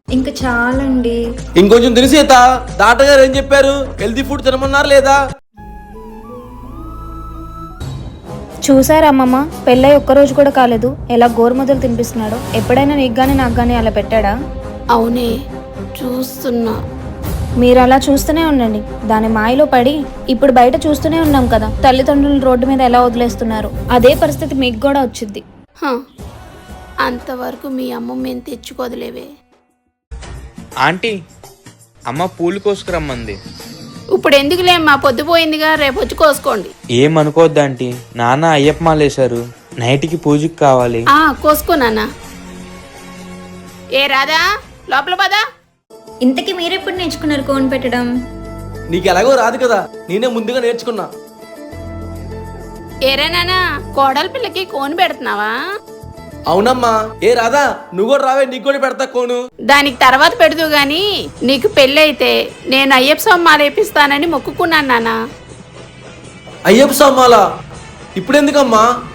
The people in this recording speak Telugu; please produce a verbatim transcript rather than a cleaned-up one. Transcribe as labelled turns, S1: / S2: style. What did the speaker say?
S1: ఇంకా చాలండి.
S2: ఇంకొంచెం తిని సీత. డాక్టర్ గారు ఏం చెప్పారు? హెల్తీ ఫుడ్ తినమన్నారు లేదా?
S3: చూసారా అమ్మమ్మ, పెళ్ళై ఒక్కరోజు కూడా కాలేదు, ఎలా గోరుముద్దలు తినిపిస్తున్నాడో. ఎప్పుడైనా నీకు గానీ నాకు గానీ అలా పెట్టాడా?
S4: అవునే, చూస్తున్నా.
S3: మీరు అలా చూస్తూనే ఉండండి. దాని మాయలో పడి ఇప్పుడు బయట చూస్తూనే ఉన్నాం కదా, తల్లిదండ్రులు రోడ్డు మీద ఎలా వదిలేస్తున్నారు. అదే పరిస్థితి మీకు కూడా వచ్చింది.
S4: హ, అంతవరకు మీ అమ్మ మేము తెచ్చుకోదులేవే.
S5: ఆంటీ, అమ్మ పూలు కోసుకురమ్మంది.
S4: ఇప్పుడు ఎందుకులే, మా పొద్దుపోయిందిగా, రేపు వచ్చి కోసుకోండి.
S5: ఏమనుకోవద్దు ఆంటీ, నాన్న అయ్యప్ప మాలేశారు, నైట్కి పూజకి కావాలి.
S4: ఆ కోసుకో నాన్న. ఏ రాదా, లోపల పదా.
S1: ఇంతకీ మీరెప్పుడు నేర్చుకున్నారు కోన్ పెట్టడం?
S2: నీకు ఎలాగో రాదు కదా, నేనే ముందుగా నేర్చుకున్నా.
S4: ఏరే నానా, కోడల పిల్లకి కోన్ పెడుతున్నావా?
S2: అవునమ్మా. ఏ రాదా, నువ్వు కూడా రావే, నీకు కూడా పెడతా కోను.
S4: దానికి తర్వాత పెడదు గాని, నీకు పెళ్ళి అయితే నేను అయ్యప్ప స్వామి మాల వేపిస్తానని మొక్కుకున్నాను నాన్న.
S2: అయ్యప్ప స్వామాలా? ఇప్పుడెందుకమ్మా?